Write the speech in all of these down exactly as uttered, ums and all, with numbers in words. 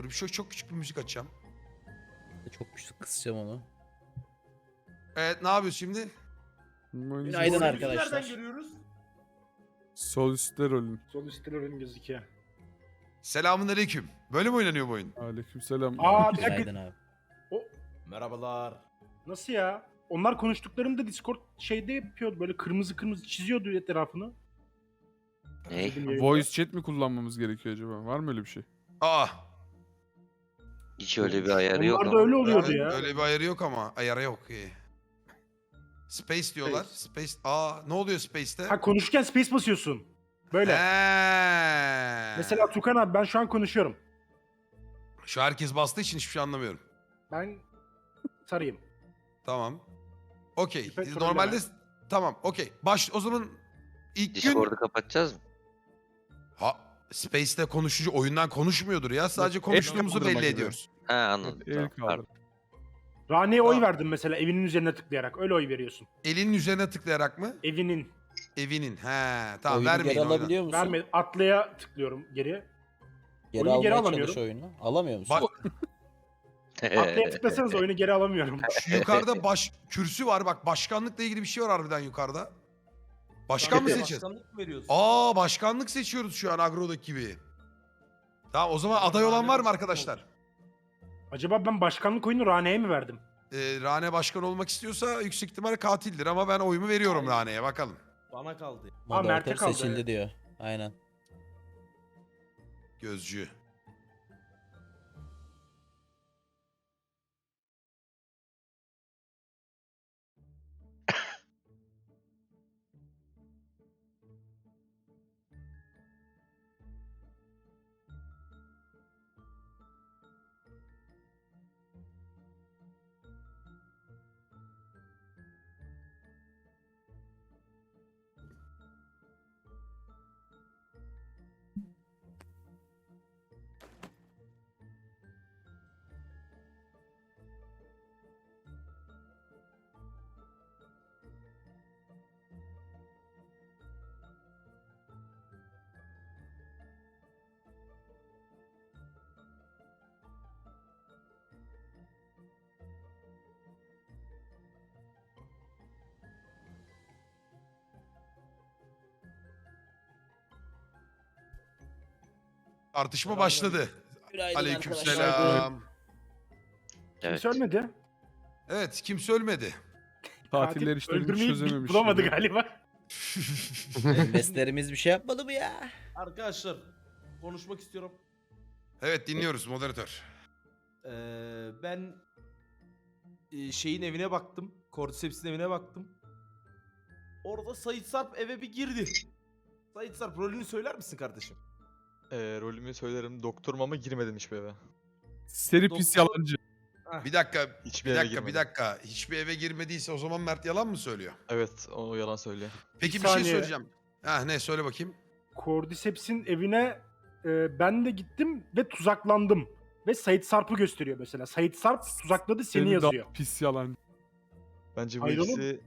Dur bir şöyle çok küçük bir müzik açacağım. Çok güçlü kısacağım onu. Evet ne yapıyoruz şimdi? Günaydın Rolümüzü arkadaşlar. nereden görüyoruz? Sol üstte rolün. Sol üstte rolün gözüküyor. Selamun aleyküm. Böyle mi oynanıyor bu oyun? Aleykümselam. Aa bir dakika. Günaydın abi. Merhabalar. Nasıl ya? Onlar konuştuklarında Discord şeyde yapıyordu. Böyle kırmızı kırmızı çiziyordu etrafını. Ne? Bizim yayında. Voice chat mi kullanmamız gerekiyor acaba? Var mı öyle bir şey? Aa. Hiç öyle bir ayarı yok Onlarda ama. öyle oluyordu Evet, ya. Öyle bir ayarı yok ama. Ayarı yok. iyi. Space diyorlar. Space. Aa ne oluyor Space'te? Ha konuşurken space basıyorsun. Böyle. He. Mesela Tukan abi ben şu an konuşuyorum. Şu herkes bastığı için hiçbir şey anlamıyorum. Ben sarayım. Tamam. Okey. İpek Normalde trolleme. tamam. Okey. Baş o zaman ilk gün Discord'u kapatacağız mı? ha Space'te konuşucu oyundan konuşmuyordur ya. Sadece Yok, konuştuğumuzu el belli kaldırma ediyoruz. Ha anladım. El Tamam, kaldır. pardon. Rane'ye oy Tamam. verdim mesela evinin üzerine tıklayarak. Öyle oy veriyorsun. Elinin üzerine tıklayarak mı? Evinin. Evinin. He. Tamam Oyunu vermeyin geri oyunu. alabiliyor musun? Verme. Atlaya tıklıyorum geri. Geri Oyunu geri almaya alamıyorum. çalış oyunu. Alamıyor musun? Bak Atlaya tıklasanız oyunu geri alamıyorum. şu yukarıda baş kürsü var bak başkanlıkla ilgili bir şey var harbiden yukarıda. Başkan mı seçeceğiz? Başkanlık mı veriyorsun? Aa başkanlık seçiyoruz şu an agrodaki gibi. Tamam o zaman aday olan var mı arkadaşlar? Acaba ben başkanlık oyunu Rane'ye mi verdim? Ee, Rane başkan olmak istiyorsa yüksek ihtimalle katildir ama ben oyumu veriyorum Rane'ye bakalım. Bana kaldı. Aa, Mert'e Moderatör kaldı, seçildi evet. diyor. Aynen. Gözcü. Tartışma başladı. Günaydın Aleykümselam. Evet. Kimse ölmedi. Evet kimse ölmedi. Tatiller Katil işlerini öldürmeyi çözememiş. bulamadı yani. galiba. Investlerimiz bir şey yapmadı mı ya? Arkadaşlar konuşmak istiyorum. Evet dinliyoruz moderatör. Ee, ben e, şeyin evine baktım. Cordyceps'in evine baktım. Orada Sait Sarp eve bir girdi. Sait Sarp rolünü söyler misin kardeşim? Ee, rolümü söylerim. Doktorum ama girmedim hiçbir eve. Seri pis Doktor- yalancı. Bir dakika, Hiçbir bir eve dakika, bir girmedim. dakika. Hiçbir eve girmediyse o zaman Mert yalan mı söylüyor? Evet, o yalan söylüyor. Peki Bir bir şey saniye. söyleyeceğim. Ha ne söyle bakayım. Cordyceps'in evine e, ben de gittim ve tuzaklandım. Ve Sait Sarp'ı gösteriyor mesela. Sait Sarp tuzakladı seni Seni yazıyor. daha pis yalancı. Bence bu Hayır oğlum. ikisi...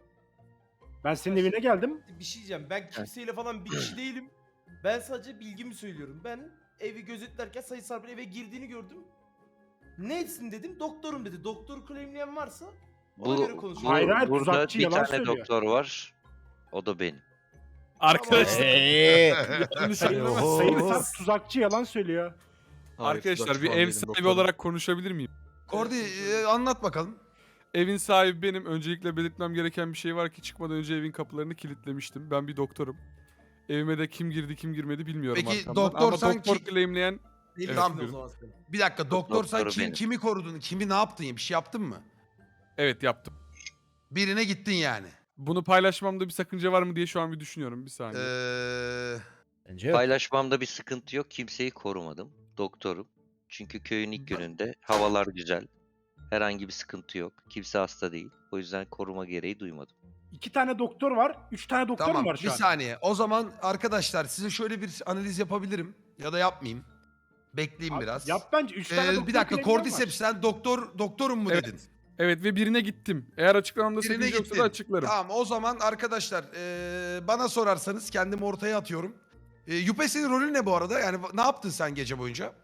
Ben senin evine geldim. Bir şey diyeceğim. Ben kimseyle falan bir kişi değilim. Ben sadece bilgimi söylüyorum. Ben evi gözetlerken Sait Sarp'ın eve girdiğini gördüm. Nesin dedim. Doktorum dedi. Doktor claimleyen varsa ona Bu, göre bu konuşuyorum. Hayır, hayır, burada tuzakçı bir yalan tane söylüyor. doktor var. O da benim. Arkadaşlar. Eee. yanlış Sayın, anlama. Sayın Sarp tuzakçı yalan söylüyor. Hayır, Arkadaşlar tuzakçı bir falan ev değilim, sahibi doktorum. olarak konuşabilir miyim? Kordi e, anlat bakalım. Evin sahibi benim. Öncelikle belirtmem gereken bir şey var ki çıkmadan önce evin kapılarını kilitlemiştim. Ben bir doktorum. Evime de kim girdi kim girmedi bilmiyorum Peki, arkamdan. doktor Ama sanki- doktor claimleyen Delisin Tamam. o zaman sen. Bir dakika doktor sen Doktoru kim, benim. kimi korudun? Kimi ne yaptın? Bir şey yaptın mı? evet yaptım. Birine gittin yani. Bunu paylaşmamda bir sakınca var mı diye şu an bir düşünüyorum. Bir saniye. Ee, Bence yok. Paylaşmamda bir sıkıntı yok. Kimseyi korumadım. Doktorum. Çünkü köyün ilk gününde havalar güzel. Herhangi bir sıkıntı yok. Kimse hasta değil. O yüzden koruma gereği duymadım. İki tane doktor var. Üç tane doktor tamam mu var bir şu an? saniye. O zaman arkadaşlar size şöyle bir analiz yapabilirim. Ya da yapmayayım. Bekleyeyim Abi, biraz. Yap bence. Üç Ee, tane doktor bir dakika claimleyen Cordyceps var. sen doktor doktorum mu Evet. dedin? Evet ve birine gittim. Eğer açıklamamda Birine sakınca yoksa gittin. da açıklarım. Tamam o zaman arkadaşlar ee, bana sorarsanız kendimi ortaya atıyorum. E, Yüpe senin rolün ne bu arada? Yani ne yaptın sen gece boyunca?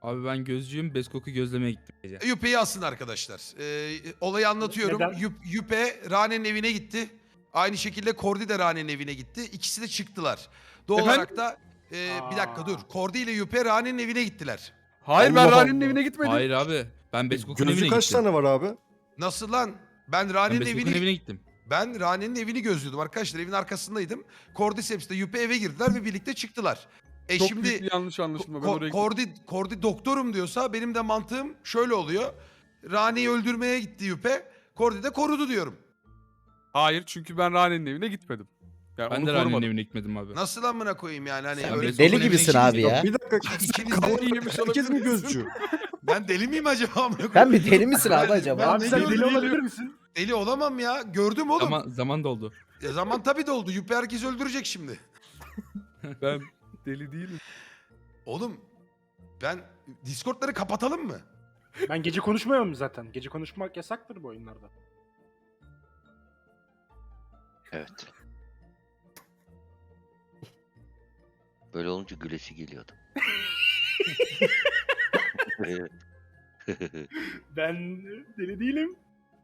Abi ben gözcüyüm. Beskok'u gözlemeye gittim gece. Yüpe'yi asın arkadaşlar. Ee, olayı anlatıyorum. Neden? Yüp- Yüpe Rane'nin evine gitti. Aynı şekilde Kordi de Rane'nin evine gitti. İkisi de çıktılar. Doğal Efendim? olarak da e, bir dakika dur. Kordi ile Yüpe Rane'nin evine gittiler. Hayır ben Allah Rani'nin Allah. evine gitmedim. Hayır abi. Ben Beskok'un evine Gözcü gittim. kaç tane var abi? Nasıl lan? Ben Ben Rane'nin Beskok'un evini evine gittim. ben Rane'nin evini gözlüyordum arkadaşlar. Evin arkasındaydım. Cordyceps de Yüpe eve girdiler ve birlikte çıktılar. E Çok şimdi büyük bir yanlış anlaşılma. Ben Ko- oraya gittim. Kordi, Kordi doktorum diyorsa benim de mantığım şöyle oluyor. Rane'yi öldürmeye gitti Yüpe. Kordi de korudu diyorum. Hayır çünkü ben Rani'nin evine gitmedim. Yani Ben onu de Rani'nin korumadım. evine gitmedim abi. Nasıl amına koyayım yani hani Sen öyle Beskok'un Deli evine gibisin gittin abi mi? ya. Bir dakika. İkiniz de- Kafayı yemiş Herkes mi olabilirsiniz. gözcü? Ben deli miyim acaba amına koyayım? Sen bir deli misin abi Ben- acaba? ben Abi ne sen diyorum, deli deli- olabilir misin? Deli olamam ya. Gördüm oğlum. Zaman, zaman doldu. Ya zaman tabii doldu. Yüpe herkes öldürecek şimdi. Ben deli değilim. Oğlum ben Discord'ları kapatalım mı? Ben gece konuşmuyorum zaten. Gece konuşmak yasaktır bu oyunlarda. Evet. Böyle olunca gülesi geliyordu. Ben deli değilim.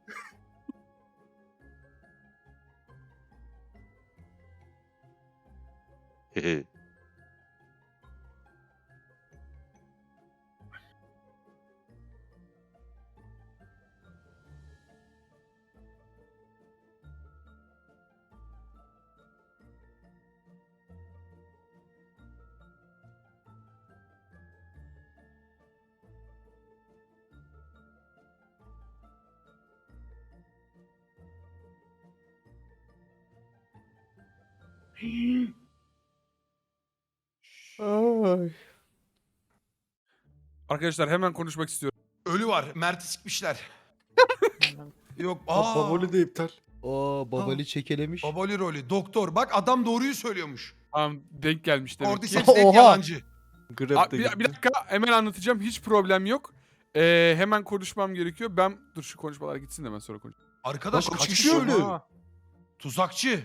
Arkadaşlar hemen konuşmak istiyorum. Ölü var. Mert'i sikmişler. Yok. Aa. Aa. Baboli de iptal. Oo babali çekelemiş. Baboli rolü. Doktor. Bak adam doğruyu söylüyormuş. Tamam denk gelmiş demek ki. Cordyceps hep Oha. yalancı. Grab Aa, de bir, gitti. bir dakika hemen anlatacağım. Hiç problem yok. Ee, hemen konuşmam gerekiyor. Ben dur şu konuşmalar gitsin de ben sonra konuş. Arkadaş Lan kaç kaç kişi kişi öldü? öldü? Tuzakçı.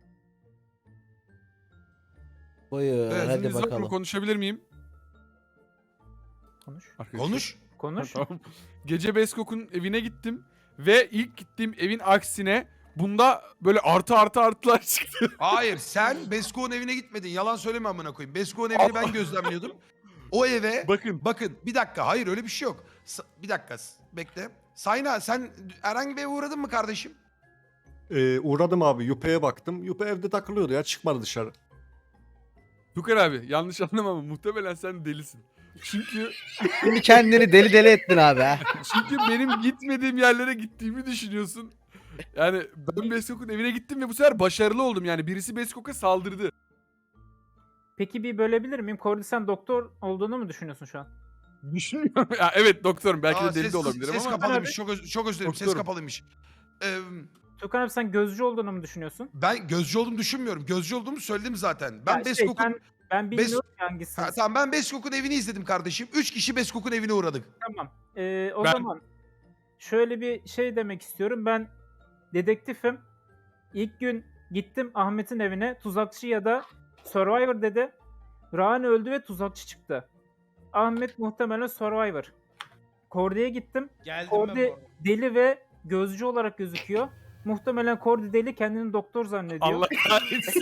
Buyur Evet, hadi izniniz yok mu? bakalım. Konuşabilir miyim? Konuş. Arkadaşlar. Konuş. Konuş. Tamam. Gece Beskok'un evine gittim ve ilk gittiğim evin aksine bunda böyle artı artı artılar çıktı. Hayır sen Besko'nun evine gitmedin. Yalan söyleme amına koyayım. Besko'nun evini ben gözlemliyordum. O eve Bakın. bakın bir dakika hayır öyle bir şey yok. Sa- bir dakika s- bekle. Sayna sen herhangi bir eve uğradın mı kardeşim? Ee, uğradım abi. Yüpe'ye baktım. Yüpe evde takılıyordu ya. Çıkmadı dışarı. Tukan abi yanlış anlama ama muhtemelen sen delisin. Çünkü Şimdi kendini deli deli ettin abi ha. çünkü benim gitmediğim yerlere gittiğimi düşünüyorsun. Yani ben Beskok'un evine gittim ve bu sefer başarılı oldum. Yani birisi Beskok'a saldırdı. Peki bir bölebilir miyim? Kordi sen doktor olduğunu mu düşünüyorsun şu an? Düşünmüyorum. Ya evet doktorum. Belki Aa, de deli ses, de olabilirim ses ama. kapalıymış. Çok, öz- çok özür dilerim. Ses Doktorum. kapalıymış. Ee, Tukan abi sen gözcü olduğunu mu düşünüyorsun? ben gözcü olduğumu düşünmüyorum. Gözcü olduğumu söyledim zaten. Ben Ya şey, Beskok'un ben, ben bilmiyorum ki hangisini. Ha, tamam ben Beskok'un evini izledim kardeşim. Üç kişi Beskok'un evine uğradık. Tamam. Ee, o Ben- zaman şöyle bir şey demek istiyorum. Ben dedektifim. İlk gün gittim Ahmet'in evine. Tuzakçı ya da Survivor dedi. Rani öldü ve tuzakçı çıktı. Ahmet muhtemelen Survivor. Kordi'ye gittim. Geldim ben bu Kordi arada. deli ve gözcü olarak gözüküyor. Muhtemelen Kordi deli kendini doktor zannediyor. Allah kahretsin.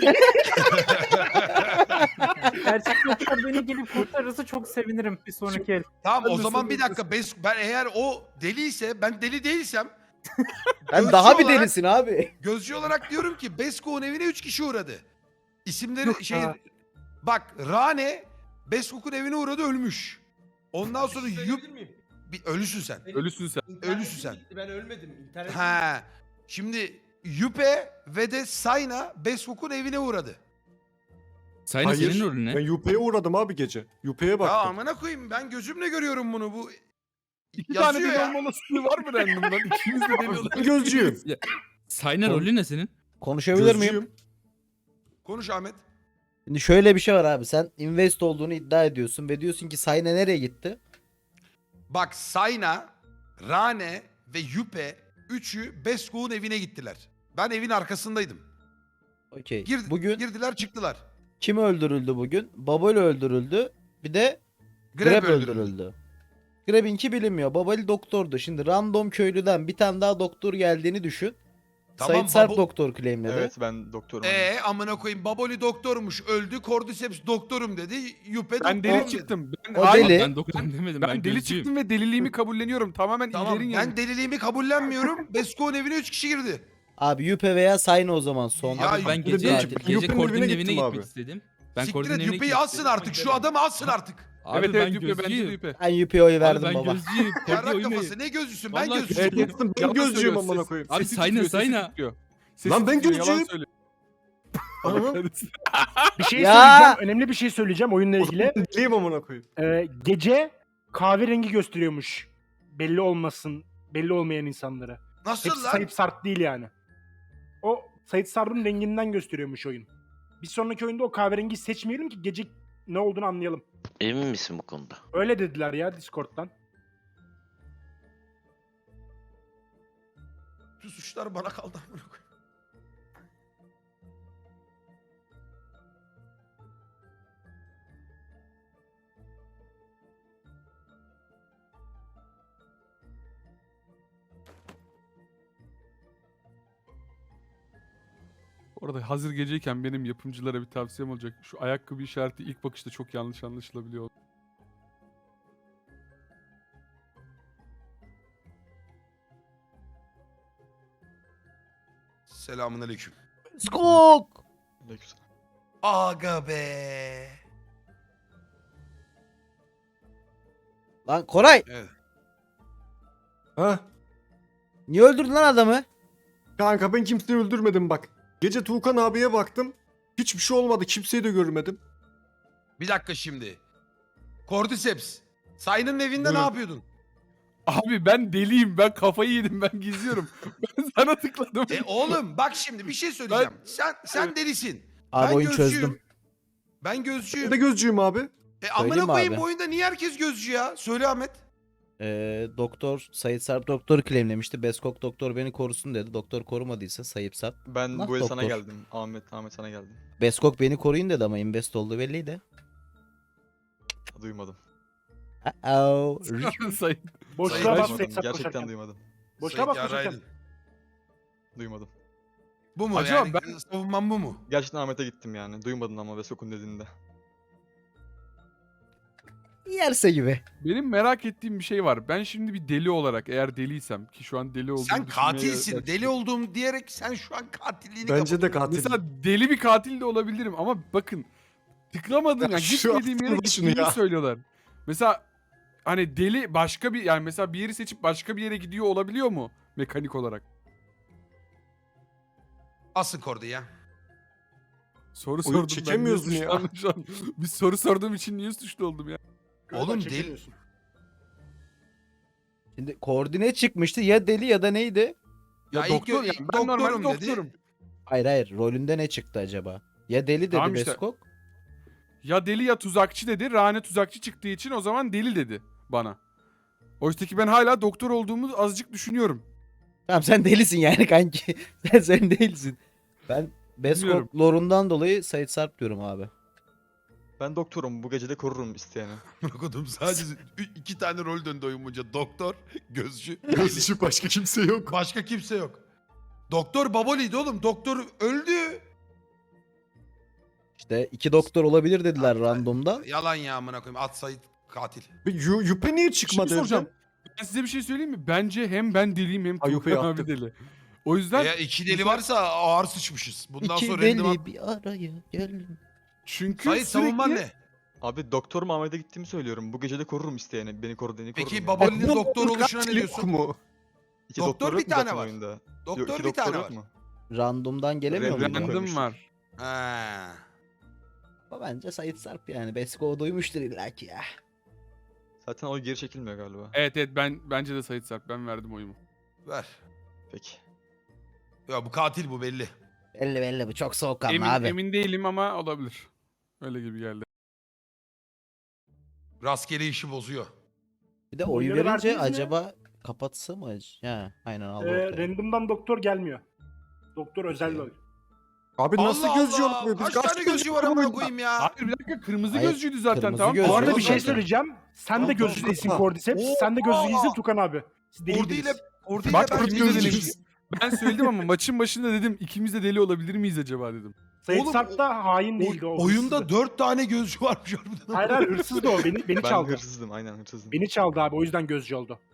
Gerçek doktor beni gelip kurtarırsa çok sevinirim bir sonraki el. Tamam o Ben de zaman bir sanıyorum. dakika. Bes ben eğer o deliyse ben deli değilsem Ben Gözcü daha bir olarak- delisin abi. gözcü olarak diyorum ki Beskok'un evine üç kişi uğradı. İsimleri Yok şey ya. bak Rane Beskok'un evine uğradı ölmüş. Ondan sonra Bir şey Yup söyleyebilir miyim? bir ölüsün sen. Benim Ölüsün sen. internetim Ölüsün sen. gitti, Ben ölmedim. İnternet Ha. Şimdi Yüpe ve de Sayna Beskok'un evine uğradı. Sayın Hayır. senin rolün ne? Ben Yüpe'ye uğradım abi gece. Yüpe'ye Ya baktım. amına koyayım ben gözümle görüyorum bunu bu. İki tane Yazıyor deli ya. olma olasılığı var mı randomdan? İkimiz de deli olabiliriz. Ben gözcüyüm. Sayın rolü ne senin? Konuşabilir miyim? Gözcüyüm. Konuş Ahmet. Şimdi şöyle bir şey var abi. Sen invest olduğunu iddia ediyorsun ve diyorsun ki Sayna nereye gitti? Bak Sayna, Rane ve Yüpe üçü Beskok'un evine gittiler. Ben evin arkasındaydım. Okey. Gir- Bugün Girdiler çıktılar. kim öldürüldü bugün? Baboli öldürüldü. Bir de Grab, Grab öldürüldü. öldürüldü. Grabinki bilinmiyor. Babali doktordu. Şimdi random köylüden bir tane daha doktor geldiğini düşün. Tamam, Sait Sarp babo- doktor claimledi. Evet ben doktorum. Ee amına koyayım Baboli doktormuş öldü. Cordyceps doktorum dedi. Yüpe Ben doktorum deli dedi. çıktım. Ben, O hayır, deli. Ben doktorum demedim. Ben, Ben, deli gözcüyüm. çıktım ve deliliğimi kabulleniyorum. Tamamen Tamam ilerin ben yanı. deliliğimi kabullenmiyorum. Besko'nun evine üç kişi girdi. Abi Yüpe veya Sayne o zaman son. Ya, Abi ben Yüpe gece, dedim ki, gece Yüpe'nin Kordi'nin evine evine gittim gitmek abi. istedim. Ben Siktir Kordi'nin et evine Yüpe'yi gitmek alsın istedim. artık. Şu adamı alsın artık. Abi evet ben evet Yüpe bence de gözcüyüm. Yüpe. Ben Yüpe'ye oy Abi verdim ben baba. gözcüyüm. Kordi Yarrak oymayın. kafası ne gözcüsün? Ben Vallahi gözcüyüm. Evet, Ben yalan gözcüyüm söylüyor, amına ses- koyayım. Abi sesi Sayna, titriyor, sesi Sayna. titriyor. Sesi Lan ben titriyor, yalan gözcüyüm. söylüyor. Aha. Bir şey Ya! söyleyeceğim. Önemli bir şey söyleyeceğim oyunla ilgili. Ben deliyim amına koyayım. Ee, gece kahverengi gösteriyormuş. Belli olmasın. Belli olmayan insanlara. Nasıl Hepsi lan? Sait Sarp değil yani. O Sait Sarp'ın renginden gösteriyormuş oyun. Bir sonraki oyunda o kahverengiyi seçmeyelim ki gece ne olduğunu anlayalım. Emin misin bu konuda? Öyle dediler ya Discord'dan. Tüm suçlar bana kaldı amına koyayım. Orada hazır geceyken benim yapımcılara bir tavsiyem olacak. Şu ayakkabı işareti ilk bakışta çok yanlış anlaşılabiliyor. Selamun aleyküm. Skok! Aleykümselam. Aga be. Lan Koray, Evet. Ha? niye öldürdün lan adamı? Kanka ben kimseyi öldürmedim bak. Gece Tuğkan abiye baktım. Hiçbir şey olmadı. Kimseyi de görmedim. Bir dakika şimdi. Cordyceps. Sayın'ın evinde ne Buyurun. yapıyordun? Abi ben deliyim. Ben kafayı yedim. Ben gizliyorum. ben sana tıkladım. E oğlum bak şimdi bir şey söyleyeceğim. Sen sen delisin. Abi ben oyun gözcüyüm. çözdüm. Ben gözcüyüm. Ben de gözcüyüm abi. E amına Söyleyeyim mi koyayım abi? bu oyunda niye herkes gözcü ya? Söyle Ahmet. Ee, doktor Sait Sarp doktor claimlemişti. Beskok doktor beni korusun dedi. Doktor korumadıysa Sait Sarp. Ben Nah, bu el sana doktor. geldim. Ahmet, Ahmet sana geldim. Beskok beni koruyun dedi ama invest olduğu belliydi. Duymadım. Uh-oh. Sayın. Boşluğa Sayın- bas Duymadım, Sait Sarp Gerçekten koşarken. duymadım. Boşluğa bas Sayın koşarken. yaraydın. Duymadım. Bu mu Acaba yani? ben- Savunmam bu mu? Gerçekten Ahmet'e gittim yani. Duymadın ama Vesok'un dediğinde. Yerse gibi. Benim merak ettiğim bir şey var. Ben şimdi bir deli olarak eğer deliysem ki şu an deli olduğumu Sen düşünmeye katilsin. başladım. Deli olduğum diyerek sen şu an katilliğini Bence de kapatıyorsun. katil. Mesela deli bir katil de olabilirim ama bakın tıklamadığım Ya yani şu gitmediğim yere aklına şunu gittiğimi ya. söylüyorlar. Mesela hani deli başka bir yani mesela bir yeri seçip başka bir yere gidiyor olabiliyor mu mekanik olarak? Asın Kordi ya. Soru Oyun sordum ben. çekemiyorsun niye ya. suçlandım şu an? Bir soru sorduğum için niye suçlu oldum ya? Oğlum Çekemiyorsun. deli. Şimdi koordine çıkmıştı. Ya deli ya da neydi? Ya, Ya ilk doktor gö- ya, ilk ben normal doktorum dedi. doktorum. Hayır hayır. Rolünde ne çıktı acaba? Ya deli dedi Tamam işte. Beskok. Ya deli ya tuzakçı dedi. Rane tuzakçı çıktığı için o zaman deli dedi bana. Oysa ki ben hala doktor olduğumu azıcık düşünüyorum. Tamam sen delisin yani kanki. sen sen değilsin. Ben Bilmiyorum. Beskok lorundan dolayı Sait Sarp diyorum abi. Ben doktorum. Bu gece de korurum isteyeni. Bırakıyordum sadece ü- iki tane rol döndü oyun boyunca. Doktor, gözcü, Gözcü başka kimse yok. başka kimse yok. Doktor Baboli'ydi oğlum. Doktor öldü. İşte iki doktor olabilir dediler Abi, randomdan. Yalan ya amına koyayım. At Sait katil. Bir Yu- Yüpe niye Bir şey çıkmadı soracağım. evden? Ben size bir şey söyleyeyim mi? Bence hem ben deliyim hem Ay, Yupe'yi Tuğkan abi attım. deli. O yüzden Eğer iki deli varsa ağır sıçmışız. Bundan İki sonra deli random bir araya gelin. çünkü Sait savunman sürekli ne? Abi doktorum Ahmet'e gittiğimi söylüyorum. Bu gece de korurum isteyeni. Beni koru dediğini korurum. Peki yani. Baboli'nin Bunun doktor oluşuna ne katili diyorsun? yok mu? İki doktor doktor bir yok mu tane zaten var. oyunda? Yok, Doktor iki bir doktor tane yok var. mu? Randomdan gelemiyor Random muydu? koymuşlar. random var. Ha. Ama bence Sait Sarp yani. Beskok'u duymuştur illaki ya. Zaten o geri çekilmiyor galiba. Evet evet ben bence de Sait Sarp. Ben verdim oyumu. Ver. Peki. Ya bu katil bu belli. Belli belli bu çok soğukkanlı Emin, abi. emin değilim ama olabilir. Öyle gibi geldi. Rastgele işi bozuyor. Bir de oyu Oyları verince verdiniz mi? acaba kapatsa mı? ac- Ha, aynen aldı Ee, ortaya. random'dan doktor gelmiyor. Doktor özel Okey. rol. Abi nasıl Allah gözcü Allah! olmuyor? Biz Kaç tane gözcü var amına koyayım ya? Hayır bir dakika kırmızı Hayır, gözcüydü zaten kırmızı tamam. gözcü. Bu arada bir Zaten. şey söyleyeceğim. Sen de Tamam, gözcü tamam, değilsin tamam. Cordyceps. Sen de gözcü değilsin Tukan abi. Siz Ordu ile deliydiniz. Ordu ile Bak ben ikimiz de gözcüyüm. deliyiz. Ben söyledim ama maçın başında dedim ikimiz de deli olabilir miyiz acaba dedim. Sait Oğlum, Sarp da hain değildi. O Oyunda hırsızdı. dört tane gözcü varmış harbiden. Hayır hayır hırsızdı o. Beni, beni Ben çaldı. hırsızdım aynen hırsızdım. Beni çaldı abi o yüzden gözcü oldu.